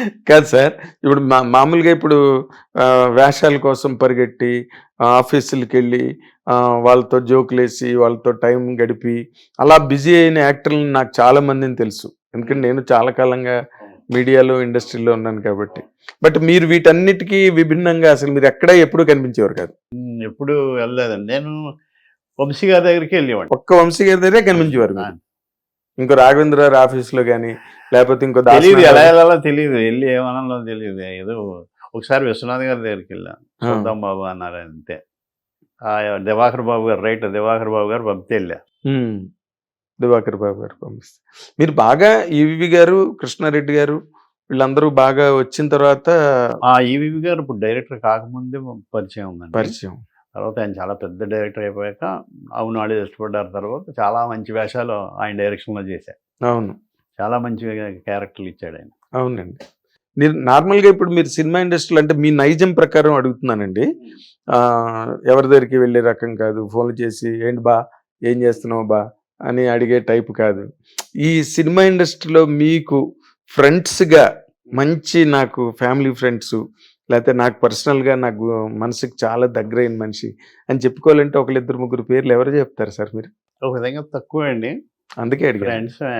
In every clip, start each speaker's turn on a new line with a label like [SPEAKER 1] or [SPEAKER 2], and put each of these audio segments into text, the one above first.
[SPEAKER 1] కాదు సార్. ఇప్పుడు మామూలుగా ఇప్పుడు వేషాల కోసం పరిగెట్టి ఆఫీసులకెళ్ళి వాళ్ళతో జోకులేసి, వాళ్ళతో టైం గడిపి అలా బిజీ అయిన యాక్టర్‌లని నాకు చాలా మందిని తెలుసు. ఎందుకంటే నేను చాలా కాలంగా మీడియాలో, ఇండస్ట్రీలో ఉన్నాను కాబట్టి. బట్ మీరు వీటన్నిటికి విభిన్నంగా అసలు మీరు ఎక్కడ ఎప్పుడు కనిపించేవారు కాదు.
[SPEAKER 2] ఎప్పుడు వెళ్ళలేదండి. నేను వంశీ గారి దగ్గరికి వెళ్ళేవాడిని.
[SPEAKER 1] ఒక్క వంశీ గారి దగ్గరే కనిపించేవారు మీరు. ఇంకో రాఘవేంద్ర గారి ఆఫీస్‌లో గాని, లేకపోతే ఇంకో
[SPEAKER 2] తెలీదు, ఎలా
[SPEAKER 1] దాసనారాయణ
[SPEAKER 2] వెళ్ళాలో తెలియదు, వెళ్ళి ఏమనాలో తెలియదు. ఏదో ఒకసారి విశ్వనాథ్ గారి దగ్గరికి వెళ్ళాను.
[SPEAKER 1] ఆ!
[SPEAKER 2] చూద్దాం బాబు అన్నారు అంతే. దివాకర్ బాబు గారు, రైటర్ దివాకర్ బాబు గారు పంపితే వెళ్ళా.
[SPEAKER 1] హ్మ్. దివాకర్ బాబు గారు పంపిస్తే. మీరు బాగా ఈవీవి గారు, కృష్ణారెడ్డి గారు వీళ్ళందరూ బాగా వచ్చిన తర్వాత
[SPEAKER 2] ఈవీవి గారు ఇప్పుడు డైరెక్టర్ కాకముందే పరిచయం ఉందండి.
[SPEAKER 1] పరిచయం.
[SPEAKER 2] తర్వాత ఆయన చాలా పెద్ద డైరెక్టర్ అయిపోయాక అవును ఆడే ఇష్టపడ్డారు. తర్వాత చాలా మంచి వేషాలు ఆయన డైరెక్షన్లో చేశారు.
[SPEAKER 1] అవును.
[SPEAKER 2] చాలా మంచి క్యారెక్టర్లు ఇచ్చాడు ఆయన.
[SPEAKER 1] అవునండి. మీరు నార్మల్‌గా ఇప్పుడు మీరు సినిమా ఇండస్ట్రీలో అంటే మీ నైజం ప్రకారం అడుగుతున్నానండి. ఎవరి దగ్గరికి వెళ్ళే రకం కాదు. ఫోన్‌లు చేసి ఏంటి బా? ఏం చేస్తున్నావు బా? అని అడిగే టైప్ కాదు. ఈ సినిమా ఇండస్ట్రీలో మీకు ఫ్రెండ్స్‌గా మంచి నాకు ఫ్యామిలీ ఫ్రెండ్సు లేకపోతే నాకు పర్సనల్‌గా నాకు మనసుకి చాలా దగ్గరైన మనిషి అని చెప్పుకోవాలంటే ఒకళ్ళిద్దరు ముగ్గురు పేర్లు ఎవరు చెప్తారు సార్ మీరు?
[SPEAKER 2] ఒక విధంగా తక్కువే అండి.
[SPEAKER 1] అందుకే అడిగాను.
[SPEAKER 2] ఫ్రెండ్సే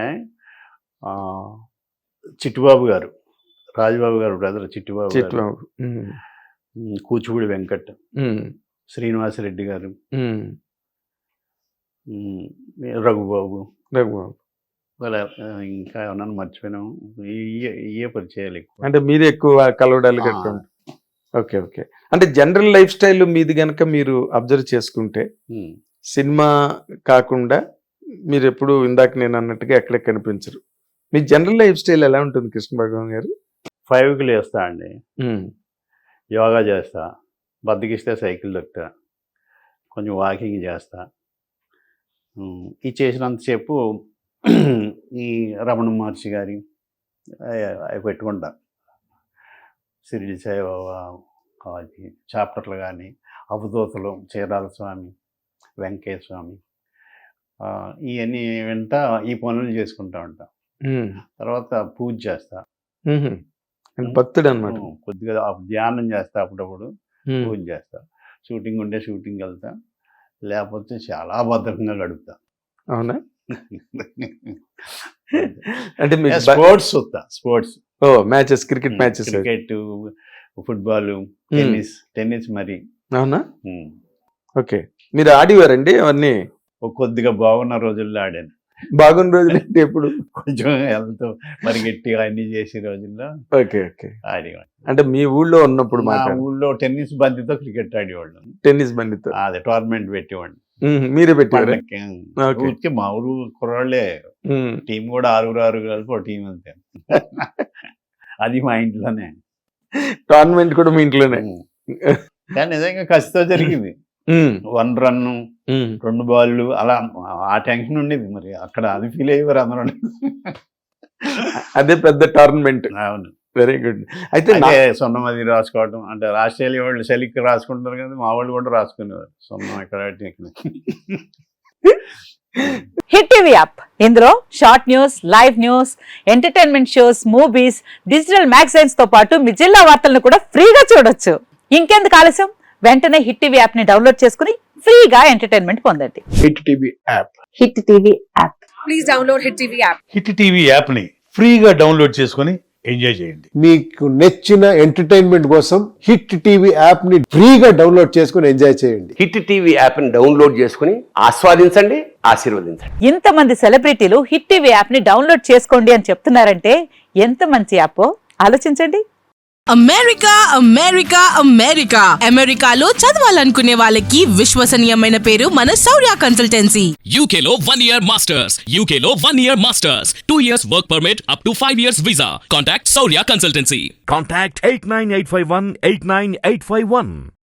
[SPEAKER 2] చిట్టుబాబు గారు, రాజబాబు గారు బ్రదర్ చిట్టుబాబు గారు,
[SPEAKER 1] చిట్టుబాబు. హ్మ్.
[SPEAKER 2] కూచిపూడి వెంకట్,
[SPEAKER 1] హ్మ్.
[SPEAKER 2] శ్రీనివాసరెడ్డి గారు,
[SPEAKER 1] హ్మ్.
[SPEAKER 2] రఘుబాబు,
[SPEAKER 1] రఘుబాబు.
[SPEAKER 2] వాళ్ళ ఇంకా ఏమన్నా మర్చిపోయినాము. ఇయే పరిచయాలు ఎక్కువ.
[SPEAKER 1] అంటే మీరే ఎక్కువ కలవడాలు
[SPEAKER 2] ఆ,
[SPEAKER 1] గట్టా ఉంటాయి. ఓకే. ఓకే. అంటే జనరల్ లైఫ్ స్టైల్ మీది గనక మీరు అబ్జర్వ్ చేసుకుంటే
[SPEAKER 2] ఉమ్.
[SPEAKER 1] సినిమా కాకుండా మీరెప్పుడు ఇందాక నేను అన్నట్టుగా ఎక్కడ కనిపించరు. మీ జనరల్ లైఫ్ స్టైల్ ఎలా ఉంటుంది కృష్ణ భగవాన్ గారు?
[SPEAKER 2] 5కి లేస్తా అండి,
[SPEAKER 1] హ్మ్.
[SPEAKER 2] యోగా చేస్తా, బద్దకిస్తే సైకిల్ దొక్కుతా, కొంచెం వాకింగ్ చేస్తా. ఇది చేసినంతసేపు ఈ రమణ మహర్షి గారి అవి పెట్టుకుంటా. షిరిడి సాయిబాబా అది చాప్టర్లు కానీ, అవధూతలు, చీరాల స్వామి, వెంకయ్య స్వామి, ఇవన్నీ వింటా ఈ పనులు చేసుకుంటా ఉంటా.
[SPEAKER 1] హ్మ్.
[SPEAKER 2] తర్వాత పూజ చేస్తా.
[SPEAKER 1] హుహు. అంటే భక్తుడు అనమాట.
[SPEAKER 2] కొద్దిగా ధ్యానం చేస్తా, అప్పుడప్పుడు
[SPEAKER 1] హ్మ్.
[SPEAKER 2] పూజ చేస్తా. షూటింగ్ ఉంటే షూటింగ్కి వెళ్తా, లేకపోతే చాలా భద్రంగా గడుపుతా.
[SPEAKER 1] అవునా? అంటే మీకు
[SPEAKER 2] స్పోర్ట్స్ చూస్తా, sports,
[SPEAKER 1] matches, cricket matches.
[SPEAKER 2] Cricket, football, tennis మరి.
[SPEAKER 1] అవునా?
[SPEAKER 2] ఉమ్.
[SPEAKER 1] ఓకే. మీరు ఆడేవారండి అవన్నీ?
[SPEAKER 2] కొద్దిగా బాగున్న రోజుల్లో ఆడాను.
[SPEAKER 1] బాగున్న రోజులు అంటే ఎప్పుడు?
[SPEAKER 2] కొంచెం హెల్త్ మరి గట్టిగా అన్ని చేసే రోజుల్లో
[SPEAKER 1] ఓకే. ఓకే.
[SPEAKER 2] ఆడేవాడు.
[SPEAKER 1] అంటే మీ ఊళ్ళో ఉన్నప్పుడు
[SPEAKER 2] మా
[SPEAKER 1] మాట
[SPEAKER 2] ఊళ్ళో టెన్నిస్ బంతితో క్రికెట్ ఆడేవాళ్ళు.
[SPEAKER 1] టెన్నిస్ బండితో.
[SPEAKER 2] అదే టోర్నమెంట్ పెట్టేవాడిని.
[SPEAKER 1] మీరే పెట్టారు.
[SPEAKER 2] పండక్కి.
[SPEAKER 1] ఓకే.
[SPEAKER 2] ఊరికే మా ఊరు కుర్రాళ్ళే, టీం కూడా 6 కలిపి ఒక టీం అంతే. అది మా ఇంట్లోనే.
[SPEAKER 1] టోర్నమెంట్ కూడా మీ ఇంట్లోనే.
[SPEAKER 2] కానీ నిజంగా కసితో జరిగింది. 1 రన్, 2 బాళ్ళు అలా ఆ టెన్షన్ ఉండేది. మరి అక్కడ అది ఫీల్ అయ్యేవారు అందరూ.
[SPEAKER 1] అదే పెద్ద టోర్నమెంట్.
[SPEAKER 2] అవును.
[SPEAKER 1] Very good. అయితే
[SPEAKER 2] అదే సున్నం అది రాసుకోవడం అంటే ఆస్ట్రేలియా వాళ్ళు చలికి రాసుకుంటారు కదా, మా వాళ్ళు కూడా రాసుకునేవారు సున్నం ఇక్కడ.
[SPEAKER 3] హిట్ టీవీ యాప్, ఇందులో short news, live news, entertainment shows, movies, digital magazines తో పాటు మీ జిల్లా వార్తలను కూడా ఫ్రీగా చూడొచ్చు. ఇంకెందుకు ఆలస్యం, వెంటనే హిట్ టీవీ యాప్ ని డౌన్లోడ్ చేసుకుని ఫ్రీగా ఎంటర్టైన్మెంట్ పొందండి.
[SPEAKER 4] Hit TV app.
[SPEAKER 3] Hit TV app.
[SPEAKER 5] Please download hit TV app.
[SPEAKER 6] Hit TV యాప్ని ఫ్రీగా డౌన్లోడ్ చేసుకొని ఎంజాయ్ చేయండి.
[SPEAKER 4] మీకు నచ్చిన ఎంటర్టైన్మెంట్ కోసం హిట్ టీవీ యాప్ ని ఫ్రీగా డౌన్లోడ్ చేసుకుని ఎంజాయ్ చేయండి.
[SPEAKER 7] హిట్ టీవీ యాప్ని డౌన్లోడ్ చేసుకుని ఆస్వాదించండి, ఆశీర్వదించండి.
[SPEAKER 3] ఇంతమంది సెలబ్రిటీలు హిట్ టీవీ యాప్ ని డౌన్లోడ్ చేసుకోండి అని చెప్తున్నారంటే ఎంత మంచి యాప్ ఆలోచించండి.
[SPEAKER 5] అమెరికా అమెరికా అమెరికా అమెరికాలో చదవాలనుకునే వాళ్ళకి విశ్వసనీయమైన పేరు మన శౌర్య కన్సల్టెన్సీ.
[SPEAKER 8] UK లో 1 year masters. UK లో 1 year masters. 2 years work permit up to 5 years visa. Contact Saurya Consultancy.
[SPEAKER 9] Contact 89851 89851.